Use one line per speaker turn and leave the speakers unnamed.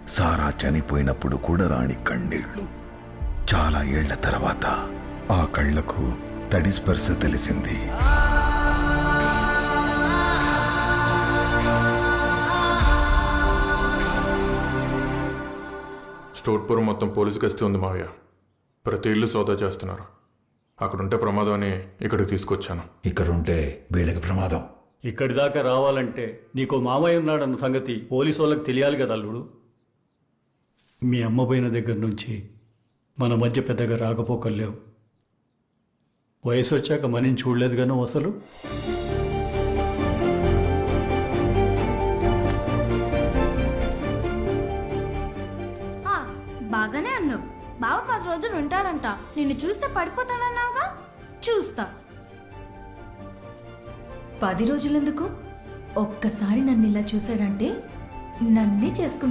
సారా చనిపోయినప్పుడు కూడా రాని కన్నీళ్లు. చాలా ఏళ్ల తర్వాత ఆ కళ్లకు తడి స్పర్శ తెలిసింది.
స్టోర్పురం మొత్తం పోలీసు గస్తీ ఉంది మావయ్య. ప్రతి ఇల్లు సోదా చేస్తున్నారు. అక్కడుంటే ప్రమాదం అని ఇక్కడికి తీసుకొచ్చాను.
ఇక్కడుంటే వీళ్ళకి ప్రమాదం.
ఇక్కడి దాకా రావాలంటే నీకో మామయ్య ఉన్నాడన్న సంగతి పోలీసు వాళ్ళకి తెలియాలి కదా అల్లుడు. మీ అమ్మ పోయిన దగ్గర నుంచి మన మధ్య పెద్దగా రాకపోకలేవు. వయసు వచ్చాక మనని చూడలేదు గాను అసలు.
బాగానే అన్నావు. బావ 10 రోజులు ఉంటాడంట. నిన్ను చూస్తే పడిపోతానన్నావుగా. చూస్తా.
10 రోజులెందుకు? ఒక్కసారి నన్ను ఇలా చూశాడంటే నన్నే చేసుకుంటా.